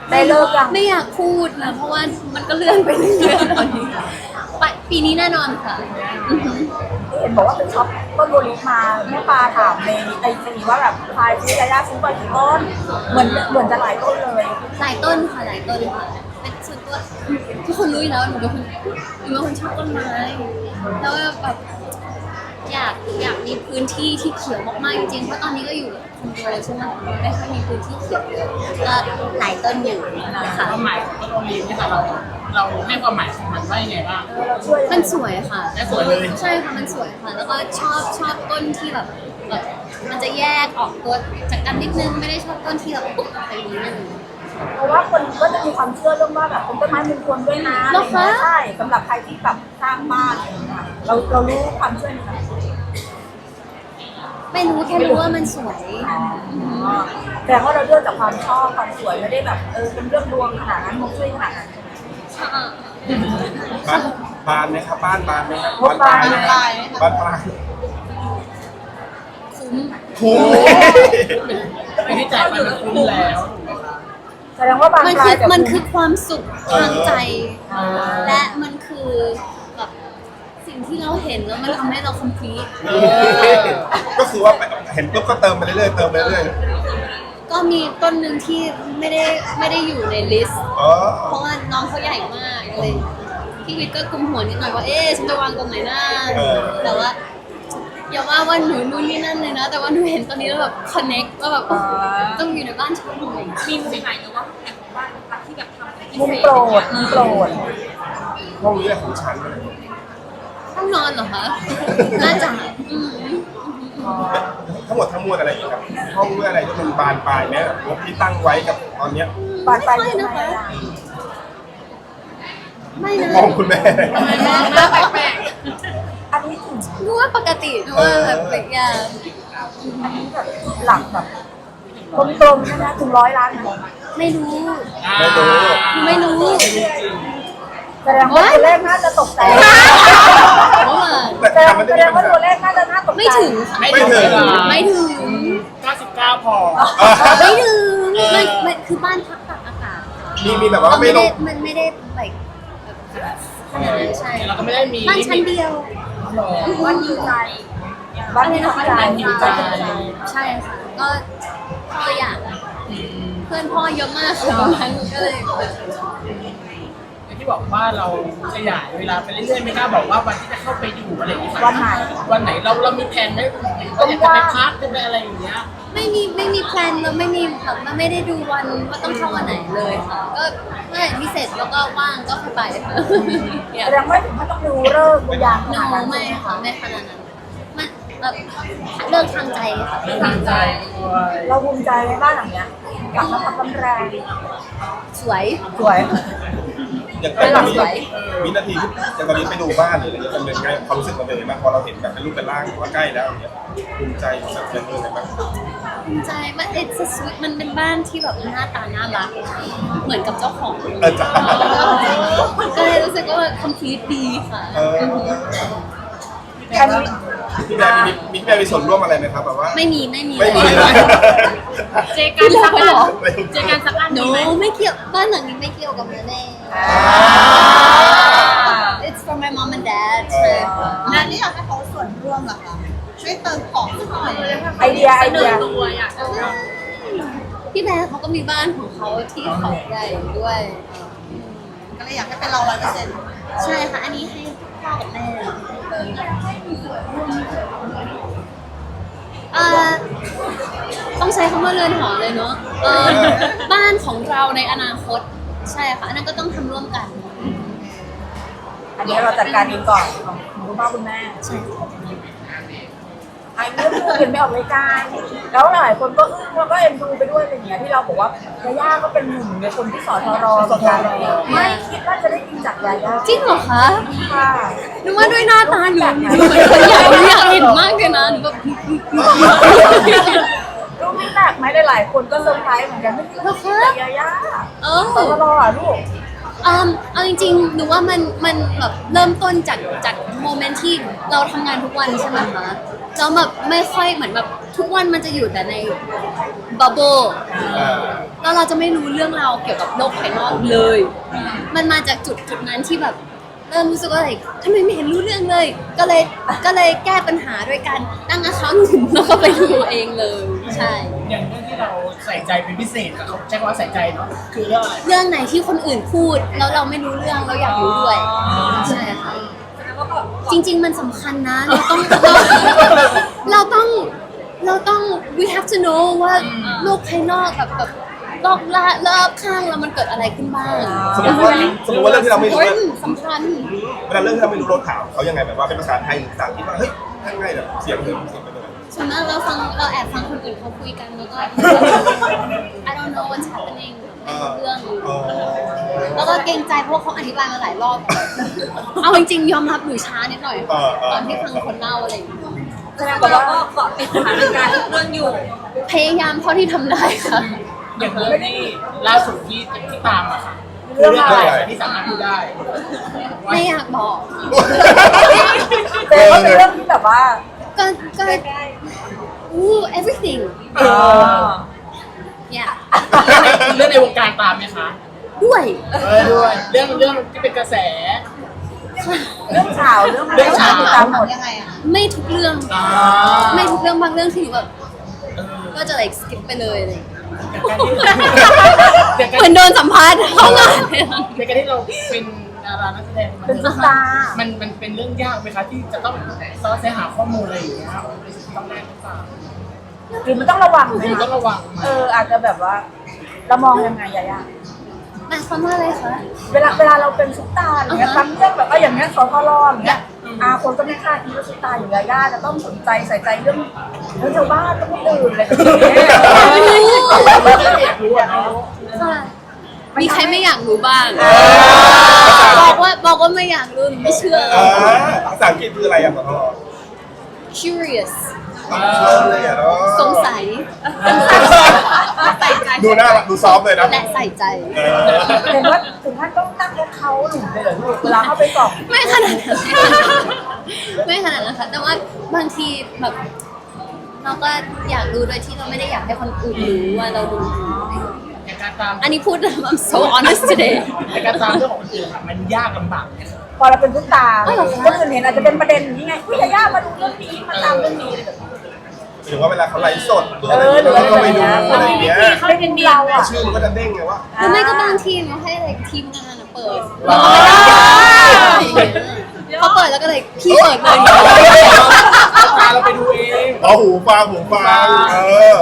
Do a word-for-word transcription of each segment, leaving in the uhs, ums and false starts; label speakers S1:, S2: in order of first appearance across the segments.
S1: ได้เลิกยัง
S2: ไม่อยากพูดนะเพราะว่ามันก็เลื่อนไปเรื่อยๆตอนนี้ไปปีนี้แน่นอนค่ะอือหือ
S1: เห็นบอกว่าไปช็อปต้นโบลิมาแม่ปลาถามในไอจีว่าแบบพายซื้อยาย่าซื้อไปกี่ต้นเหมือนเหมือนจะหลายต้นเลย
S2: หลายต้นค่ะหลายต้นค่ะเป็นส่วนตัวทุกคนรู้อยู่แล้วหนูเป็นคนหนูเป็นคนชอบต้นไม้แล้วแบบอยากอยากมีพื้นที่ที่เขียวมากๆจริงๆเพราะตอนนี้ก็อยู่คอนโดใช่ไหมไม่ค่อยมีพื้นที่เขียวเยอะก็หลายต้นอยู่ค่ะ
S3: ความหมายของต้นโอลีฟเนี่ยค่ะเราเราให้ความหมายของมันว่ายังไงบ้าง
S1: เราช่วย
S2: มันสวยค่ะ
S3: และสวยเลย
S2: ใช่ค่ะมันสวยค่ะ แล้วก็ชอบชอบต้นที่แบบแบบมันจะแยกออกตัวจากกันนิดนึงไม่ได้ชอบต้นที่แบบปุ๊บไปนิดนึง
S1: เพราะว่าคนก็จะมีความเชื่อเรื่องว่าแบบเป็นต้นไม้มงคลด้วยนะอะไรอย่างเงี้ยใช่สำหรับใครที่แบบสร้างบ้านอะไรอย่างเงี้ยเราเรารู้ความเชื่อนี้ไหม
S2: ไม่รู้แค่รู้ว่ามันสวย
S1: แต่ว่าเราเลือกจากความชอบความสวยไม่ได้แบบเออเป็นเรื่องดวงขนาดนั้นมงช่วยขนาดนั้น
S2: ค่ะ
S4: บ้านบานไหมครับบ้านบานไหมครับ
S1: งบปลาย
S4: ไหมครับบ้านปลาย
S2: คุ้ม
S4: คุ้ม
S3: ไม่ได้จ่ายไปมันคุ้มแล้วถูกไหมคะ
S1: แสดงว่าบาง
S2: มัน
S1: ปลา
S2: คื
S1: ย
S2: อ
S1: แต่
S2: มันคือความสุขทางใจ
S1: อ่า
S2: และมันคือแบบสิ่งที่เราเห็นแล้วมันทำให้เรา complete
S4: ก็คือว่าเห็นปุ๊บก็เติมไปเรื่อยๆเติมไปเรื่อย
S2: ก็มีต้นหนึ่งที่ไม่ได้ไม่ได้อยู่ในลิสต์
S4: ๆอ๋อ
S2: เพราะว่าน้องเขาใหญ่มากเลยพี่วิทย์ก็กุมหัวนิดหน่อยว่าเอ๊ะฉันจะวางตรงไหนนะแต่ว่าอย่าว่าว่าหนูนู่นนี่นั่นเลยนะ แต่ว่าหนูเห็นตอนนี้แล้วแบบ connect ว่าแบบต้องอยู่ในบ้านฉันเลย
S5: มีมุมไหนหรือว่าแอบบ้านรักที่แบบทำอะไรพิ
S1: มุม
S5: เศษ
S1: โปรดมุมโปรด
S4: ห้องนี้ของฉันเลย
S2: ห้องนอนเหรอคะน่าจะอืม
S4: ทั้งหมดทั้งมวลอะไรอย่างเงี้ยครับห้องเมื่ออะไรที่มันบานปลายไหมงบที่ตั้งไว้กับตอนเนี้ย
S1: บานปลาย
S2: ไม่
S1: ยัง
S2: นะ
S1: ไง
S2: คะ
S1: อะ
S2: ไม่นะ
S4: มองคุณแม่
S5: หน้าแปลก
S1: อันนี้ถึง
S2: หนูว่าปกติหนูว่าแบบเป็นอย่าง
S1: อันนี้แบบหลักแบบกลมๆใช่ไหมถึงร้อยล้านไหม
S2: ไม่รู้
S4: ไม่รู้
S2: หนูไม่รู้
S1: แสดงว่าตัวเลขน่าจะตกใจ
S2: เพราะว่า
S4: แต่
S1: แสดง
S4: ทำมัน
S1: แส
S4: ได้
S1: ดง
S4: ไม่
S1: ว่าตัวเลขน่าจะน่าตกใจ
S2: ไม่ถึงค่ะ
S3: ไม่ถึง
S2: ไม่ถึง
S3: เก้าสิบเก้าพอ
S2: ไม่ถึงมันมันคือบ้านพักตากอากาศค่ะ
S4: มีมีแบบว่า
S2: เรา
S4: ไม่
S2: ไม่
S4: ล
S2: ได้
S4: ง
S2: มันไม่ได้แบบขนาดนั้นใช่
S3: เราก็ไม่ได้มี
S2: บ้านชั้นเดียว
S1: บ้านอยู่ใจบ้านอยู่ใจ
S3: อยู่ใจ
S2: ใช่ค่ะ ก็ตัวอย่างเพื่อนพ่อเยอะมากค่ะตรงนั้นก็เลย
S3: อย่างที่บอกว่าเราขยายเวลาไปเรื่อยๆไม่กล้าบอกว่าวันที่จะเข้าไปอยู่อะไรอย่างเงี้ย
S1: วันไหน
S3: วันไหนเราเรามีแผนไหมก็อยากจะไปพักจะไปอะไรอย่างเงี้ย
S2: ไม่มีไม่มีแพลนแล้วไม่มีแบบมันไม่ได้ดูวันว่าต้องเข้าวันไหนเลยค่ะ ก็เมื่อไหร่ที่เสร็จแล้วก็ว่างก็ค่อยไปค่ะอยาก
S1: แสดงว่าถึงไม่ต้องดูเลิกษ์ดูยามข
S2: โน
S1: นาดนั้น
S2: ไม่ค่ะไม่ขนาดนั้นมันแบบเรื่องทางใจค่ะ
S3: เรื่องทางใจด้วย
S1: เราภูมิใจในบ้านหลังเนี้ยกลับมาทำกำแรง
S2: สวย
S1: สวย
S4: อย่างตอนนี้
S2: สวย
S4: วินาทีที่อย่างตอนนี้ไปดูบ้านหรืออะไรเงี้ยมันเป็นไงความรู้สึกมันเป็นยังไงบ้างพอเราเห็นแบบเป็นรูปเป็นร่างว่าใกล้แล้วอย่างเงี้ยภูมิใจแบบเป็นยังไงบ้าง
S2: ภูมิใจมัน it's a sweet มันเป็นบ้านที่แบบหน้าตาน่ารัก เหมือนกับเจ้าของ
S4: เออจ้ะ
S2: ก็เลยรู้สึกว่า complete ดีค่ะ
S4: เออ
S1: แค่นี้
S4: พี่แม่มีมีพี่แม่มีส่วนร่วมอะไรไหมครับแบบว่า
S2: ไม่มีไม่มี
S4: ไม่มี
S2: เลย
S4: นะ
S5: ๆเจอกันสักอันเจอกันสักอัน
S2: โน
S5: ดีไหม
S2: ไม่เกี่ยวบ้านหลังนี้ไม่เกี่ยวกับแม่แน่ it's for my mom and dad ใช่ค่ะ
S6: งานนี้อยากให้เขาส่วนร่วมเหรอคะช่วยเติมของสักหน่อย
S1: ไอเดียไอเดีย
S5: ตัวอยากจะ
S2: พี่แบร์เขาก็มีบ้านของเขาที่เขาใหญ่ด้วย
S6: ก็เลยอยากให้เป็นเราร้อยเปอร์เซ็นต์
S2: ใช่ค่ะ อันนี้ให้พ่อกับแม่เอ่อต้องใช้คำว่าเรือนหอเลยเนาะเออบ้านของเราในอนาคต ใช่ค่ะ อันนั้นก็ต้องทำร่วมกัน
S1: อันนี้เราจัดการเองก่อนของคุณพ่อคุณแม่
S2: ใช่ค่ะ
S1: ไอ้เรื่องลูกเห็นไม่ออกรายการแล้วหลายคนก็อึ้งแล้วก็เอ็นดูไปด้วยอะไรอย่างเงี้ยที่เราบอกว่ายาย่าก็เป็นหนึ่งในคนที่สอทรเหมือนกันไม่คิดว่าจะได้ยินจากยาย่า
S2: จริงเหรอคะ
S1: ค่ะ
S2: นึกว่าด้วยหน้าตาหนูหนูเหมือนคนอยากหนูอยากเห็นมากเลยนะหนูแบบ
S1: ลูกไม่แปลกไหมหลายๆคนก็เซอร์ไพรส์เหมือนกันไม่คิดว่าจะได้ยินจากยาย่า
S2: เอ
S1: สอ
S2: อ
S1: ทรอ่ะลูก
S2: อืมเอาจริงๆ หนูว่ามันมันแบบเริ่มต้นจากจากโมเมนต์ที่เราทำงานทุกวันใช่ไหมคะแล้วแบบไม่ค่อยเหมือนแบบทุกวันมันจะอยู่แต่ในบับเบิ้ล
S4: อ่า
S2: แล้วเราจะไม่รู้เรื่องราวเกี่ยวกับโลกภายนอกเลย มันมาจากจุดจุดนั้นที่แบบเริ่มรู้สึกว่าแบบทำไมไม่เห็นรู้เรื่องเลย ก็เลยก็เลยแก้ปัญหาด้วยการตั้งอาคาหนึ่งแล้วก็ไปดูเองเลย ใช่
S3: อย่างเรื่องที่เราใส่ใจเป็นพิเศษกับเขาใช้คำว่าใส่ใจเนาะคือเรื่องอะไร
S2: เรื่องไหนที่คนอื่นพูดแล้วเราไม่รู้เรื่องเราอยากรู้ด้วยใช่ค่ะจริง ๆ มันสำคัญนะ เราต้องเราต้องเราต้อง we have to know ว่าโลกภายนอกแบบแบบรอบละรอบข้างเรามันเกิดอะไรขึ้นบ้าง
S4: สมมติว่าสมมติว่าเรื่องที่เราไม่รู้
S2: เฮ้ย
S4: เนี่ย
S2: สำคัญ
S4: เวลาเรื่องที่เราไม่รู้เราถามเขายังไงแบบว่าเป็นภาษาไทยหรือภาษาอังกฤษว่าเฮ้ยง่ายๆแบบเสียงเดิมเสียงเป็นยังไง
S2: ส่วนมากเราฟังเราแอบฟังคนอื่นเขาคุยกันแล้วก็ I don't know what's happening ไม่รู้เรื่อง
S4: อ๋อ
S2: แล้วก็เกรงใจเพราะว่าเขาอธิบายมาหลายรอบ เอาจริงๆยอมรับหนูช้านิดหน่อย
S4: เออเออ
S2: ตอนที่ฟังคนเล่าอะไรอย่างเงี้ย
S1: แสดงว่าเราก็เกาะติดสถานการณ์ทุกเรื่องอยู่
S2: พยายามเท่าที่ทำได้ค่ะ
S3: อย่างเรื่องที่ล่าสุดที่ที่ตามอะค่ะคือเรื่องอะไรที่สามารถพูดได้
S2: ไม่อยากบอก
S1: แต่ก็เป็นเรื่องที่แบบว่า
S2: ก็ก็อู้ everything
S3: เออ
S2: yeah
S3: เรื่องในวงการตามไหมคะ
S2: ด้วย
S3: เออด้วยเรื่องเรื่องที่เป็นกระแส
S1: เรื่องข่าวเรื่องอะไร
S3: เรื่องข่าว
S1: ติดตามหมด
S6: ยังไงอะ
S2: ไม่ทุกเรื่อง
S3: อ่า
S2: ไม่ทุกเรื่องบางเรื่องที่หนูแบบก็จะ like skip ไปเลยอะไรอย่างเงี้ย
S3: อย่าง
S2: เหมื
S3: กา
S2: อน
S3: ร
S2: โดนสัมภาษณ์เข้างานเลย
S3: ในการที่เราเป็นดารานักแสดง
S1: เป็นซุปตาร์
S3: มันมันเป็นเรื่องยากไหมคะที่จะต้องซอสแสหาข้อมูลอะไรอย่างเงี้ยต้องแน่นหรือเปล่า
S1: หรือมันต้องระวังไหม
S3: หรือต้อง
S1: คะ
S3: ระวังไหม
S1: เอออาจจะแบบว่าเรามองยังไงยายา
S2: หมายความว่าอะไรคะ
S1: เวลาเวลาเราเป็นซุปตาร์อย่างเงี้ย
S2: อ่าฮะ
S1: บางเรื่องแบบว่าอย่างเงี้ยสทรอย่างเงี้ยอาคนก็ไม่คาดคิดว่าซุปตาร์อย่างยาย่าจะต้องสนใจใส่ใจเรื่องเรื่องชาวบ้านต้องคนอื่นอะไรแบบนี้
S3: อยากรู้อะเนาะ
S2: ค่ะมีใครไม่อยากรู้บ้าง บอกว่าบอกว่าไม่อยากรู้หนูไม่เชื่อ
S4: อ่าภาษาอังกฤษคืออะไรอ่ะขอโทษ
S2: curious
S4: ต้องเชื่อเลยอ่ะเนาะ
S2: สงสัย
S6: ใส่ใจ
S4: ดูหน้าดูซอฟต์เลยนะ
S2: และใส่ใจ
S4: เออ
S1: เห็นว่าถึงขั้นต้องตั้งแอคเคาท์หนึ่งเลยเหรอลูกเวลาเข้าไปสอบ
S2: ไม่ขนาดนั้นไม่ขนาดนั้นค่ะแต่ว่าบางทีแบบเราก็อยากรู้โดยที่เราไม่ได้อยากให้คนอื่นรู้ว่าเราดู
S3: อย่างการตาม
S2: อันนี้พูด I'm so honest today
S3: ในการตามเรื่องของคนอื่นอะมันยากลำบากเนี่ย
S1: พอเราเป็นซุปตาร์
S2: อ๋อเหรอคะ
S1: คนอื่นเห็นอาจจะเป็นประเด็นอย่างนี้ไงพี่ยาย่ามาดูเรื่องนี้มาตามเรื่องนี้อะไรแบบนี้
S4: หรือว่าเวลาเขาไลฟ์สดหรือ
S1: เอ
S4: อะไร
S1: อหรือ
S4: เราก็ไปดู
S1: อะไร
S4: อะไรอย่างเงี้ย
S5: เขาเป็นเดียว
S1: เราอะ
S4: ชื่อมันก็จะเด้งไงว่า
S2: หรือไม่ก็บางทีเราให้อะไรทีมงานอะเปิด
S4: อ๋อ
S2: เขาเปิดแล้วก็เลยพี่เปิดเลย
S3: พาเราไปดูเอง
S4: เอาหูฟังหูฟังเออ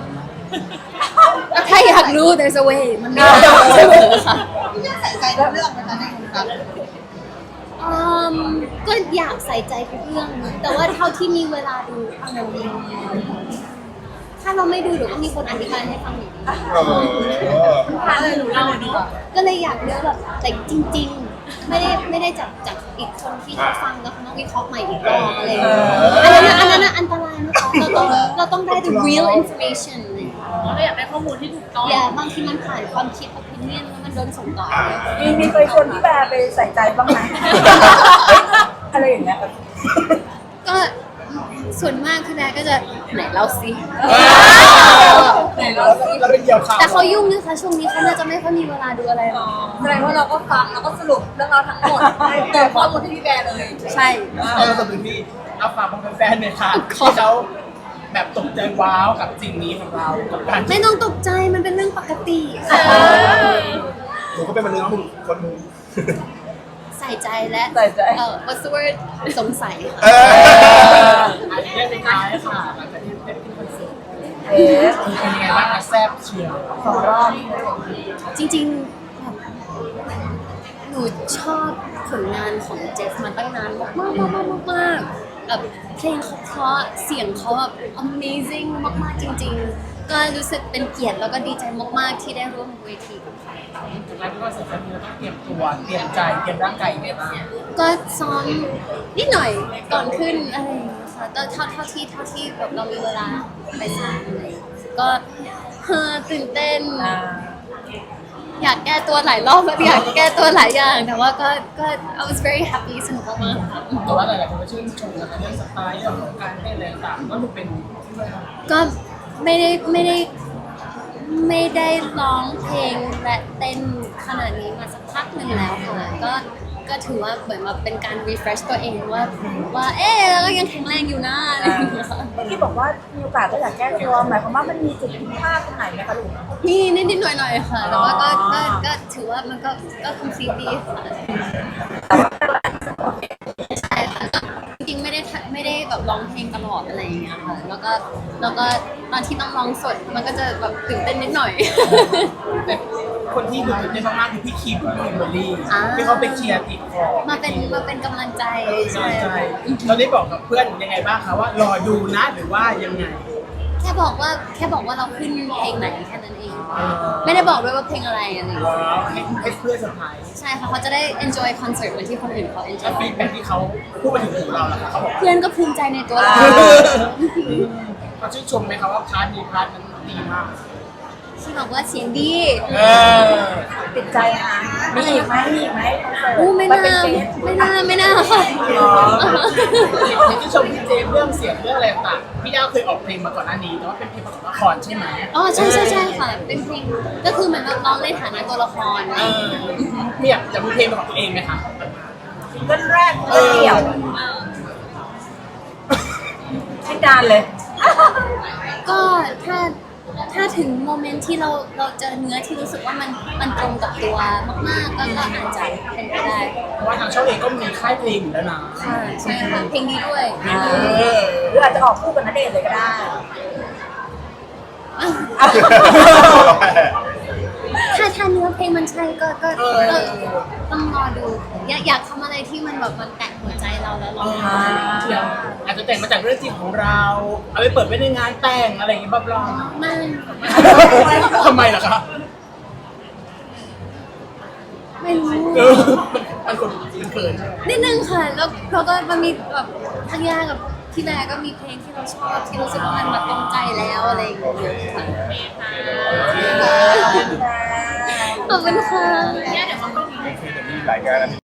S2: ถ้าอยากรู้ there's a way มันมีทางเสมอค่ะ
S6: ใส่ใจทุกเรื่องนะคะในวงการ
S2: อืมก็อยากใส่ใจทุกเรื่อง แต่ว่าเท่าที่มีเวลาดูเอาหนูดีถ้าเราไม่ดูเดี๋ยวก็มีคนอธิบายให้ฟังอยู่ดี
S4: เออ
S6: อะไรหนูเล่าเนาะ
S2: ก็เลยอยากเลือกแบบแต่จริง ๆ ไม่ได้ไม่ได้จากจากอีกคนที่เขาฟังแล้วเขาต้องวิเคราะห์ใหม่อีกรอบอะไรอย่างเงี้ยอันนั้นน่ะอันนั้นน่ะอันตรายนะคะเราต้องเราต้องได้ the real information อะไรอย่างเงี้ย
S5: เราอยากได้ข้อมูลที่ถูกต้อง
S2: อย่าบางทีมันผ่านความคิด opinion แล้วมันโดนส่งต่อ
S1: มีมีเคยชวนพี่แบร์ไปใส่ใจบ้างไหม อะไรอย่างเงี้ย
S2: ก็ส่วนมากพี่แบร์ก็จะไหนเล่าสิ
S3: เราเราเป็นเหยี่ยวข่าว
S2: แต่เขายุ่งนะคะช่วงนี้เขาน่าจะไม่ค่อยมีเวลาดูอะไรหรอก
S6: แสดงว่าเราก็ฟังแล้วก็สรุปเรื่องราวทั้งหมดเกิดข้อมูลที่พี่แบร์เลย
S2: ใช่
S3: เออสำหรับที่เอาฝากบางแฟนๆเนี่ยค่ะที่เขาแบบตกใจว้าวกับสิ่งนี้ของเรากับการ
S2: ไม่ต้องตกใจมันเป็นเรื่องปกติค่ะ
S4: หนูก็เป็นมนุษย์คนหนึง
S2: ใส่ใจและ
S1: ใส่ใจ
S2: เออ what's the word สงสัย
S4: เอ
S2: ค่ะ
S4: อ
S3: อันนี้ได้เป็นท้ายค่ะหลังจากที่ได้ขึ้นคอนเสิร์ต
S1: เอ๊ะ
S3: เป็นยังไงบ้างคะแซ่บเชียว
S1: สองรอบ
S2: จริงๆแบบหนูชอบผลงานของเจฟมาตั้งนานมากมากมากมากมากแบบเพลงเขาเพราะเสียงเขาแบบ amazing มากๆจริงๆ ก็รู้สึกเป็นเกียรติแล้วก็ดีใจมากๆที่ได้ร่วมเวทีกับเขา
S3: จากนั้นก็เสร็จแล้วเราต้องเตรียมตัวเตรียมใจเตรียมร่างกายยังไงบ้าง
S2: ก็ซ้อมนิดหน่อยก่อนขึ้นอะไรอย่างเงี้ยค่ะแต่เท่าเท่าที่เท่าที่แบบเรามีเวลาไปซ้อมอะไรอย่างเงี้ยก็เฮอตื่นเต้น
S1: อ่า
S2: อยากแก้ตัวหลายรอบแล้วอยากแก้ตัวหลายอย่างแต่ว่าก็ก็ I was very happy สนุกมากๆค่ะ
S3: แต่ว่าหลายๆคนก็ชื่นชมนะคะเรื่องสไตล์เรื่องของการเต้นอะไรต่างๆก็ดูเป็น
S2: ก็ไม่ได้ไม่ได้ไม่ได้ร้องเพลงและเต้นขนาดนี้มาสักพักหนึ่งแล้วค่ะก็ก็ถือว่าเหมือนมาเป็นการ refresh ตัวเองว่าว่าเอ๊ะเราก็ยังแข็งแรงอยู่นะอะไรอย่างเงี้ยค่ะ
S1: ที่บอกว่ามีโอกาสก็อยากแก้ตัวหมายความว่ามันมีจุดผิดพลาดตรงไหนไหมคะลูก
S2: มีนิดๆหน่อยๆค่ะแต่ว่าก็ก็ก็ถือว่ามันก็ก็ complete ดีค่ะใช่ค่ะจริงๆไม่ได้ทำไม่ได้แบบร้องเพลงตลอดอะไรอย่างเงี้ยค่ะแล้วก็แล้วก็ตอนที่ต้องร้องสดมันก็จะแบบตื่นเต้นนิดหน่อย
S3: แต่คนที่ดูตื่นเต้นมากๆคือพี่คิมกับพี่เบอร์รี่
S2: อ่า
S3: ที่เขาไปเคลียร์ติดคอ
S2: มาเป็นมาเป็นกำลังใจ
S3: ใช่
S2: ใช่
S3: ใช่เราได้บอกกับเพื่อนยังไงบ้างคะว่ารอดูนะหรือว่ายังไง
S2: แค่บอกว่าแค่บอกว่าเราขึ้นเพลงไหนแค่นั้นเอง ไม่ได้บอกด้วยว่าเพลงอะไรอะไรอย่างเงี้ย
S3: ว้าวให้ให้เพื่อนเซอร์ไพรส์
S2: ใช่ค่ะเขาจะได้ enjoy concert เหมือนที่คนอื่นเขา
S3: แล้ว
S2: enjoy
S3: ฟีดแบ็กที่เขาพูดมาถึงหูเราล่ะคะเขาบอกว่า
S2: เพื่อนก็ภูมิใจในตัวเรา
S3: เขาชื่นชมไหมคะว่าพาร์ทนี้พาร์ทนั้นดีมาก
S2: ที่บอกว่าเสียงดี
S3: เออ
S1: ติดใจนะมีอีกไหมมีอีกไหมคอนเสิร์ต
S2: อู้ไม่
S1: ป
S2: น่า
S1: เป็นเกส
S2: ไม่น่าไม่น่าค่ะ
S3: เห็นที่ชมพี่เจมส์เรื่องเสียงเรื่องอะไรต่างๆพี่ดาวเคยออกเพลงมาก่อนหน้านี้แต่ว่าเป็นเพลงประกอบละครใช่ไหม
S2: อ๋อใช่ใช่ใช่ค่ะ เป็นเพลงก็คือเหมือนแบบร้องในฐานะตัวละคร
S3: เออมีอยากจะมีเพลงเป็นของตัวเองไหมคะ
S1: ซิงเกิลแรกซิงเกิลเดี่ยวให้การเลย
S2: ก็ถ้าถ้าถึงโมเมนต์ที่เราเราเจอเนื้อที่รู้สึกว่ามันมันตรงกับตัวมากๆก็ก็อาจจะเป็นไปได้
S3: เพราะว่าทางช่องเองก็มีค่ายเพลงอยู่แล้วนะ
S2: ค่ะใช่ค่ะเพลงนี้ด้วย
S3: เออ
S1: หรืออาจจะออกคู่กับณเดชน์เลยก็ได้
S2: ถ้าถ้าเนื้อเพลงมันใช่ก็ก็ก็ต้องรอดู อยากอยากทำอะไรที่มันแบบมันแตะหัวใจเราแล้วเรา
S3: อ่าอาจจะแต่งมาจากเรื่องจริงของเรา เอาไปเปิดไว้ในงานแต่งอะไรอย่างงี้บ้าบลอ
S2: ไม่
S3: ทำไมล่ะคะ
S2: ไม่รู้
S3: เออมันคนมันเขินใช่ไหม
S2: นิดนึงค่ะ แล้วเราก็มันมีแบบทั้งย่ากับพี่แบร์ก็มีเพลงที่เราชอบที่รู้สึกว่ามันมาตรงใจแล้วอะไรอย่างเงี้ยค่ะขอบคุณค่ะ
S4: โอเคเดี๋ยวมีหลายงานนะ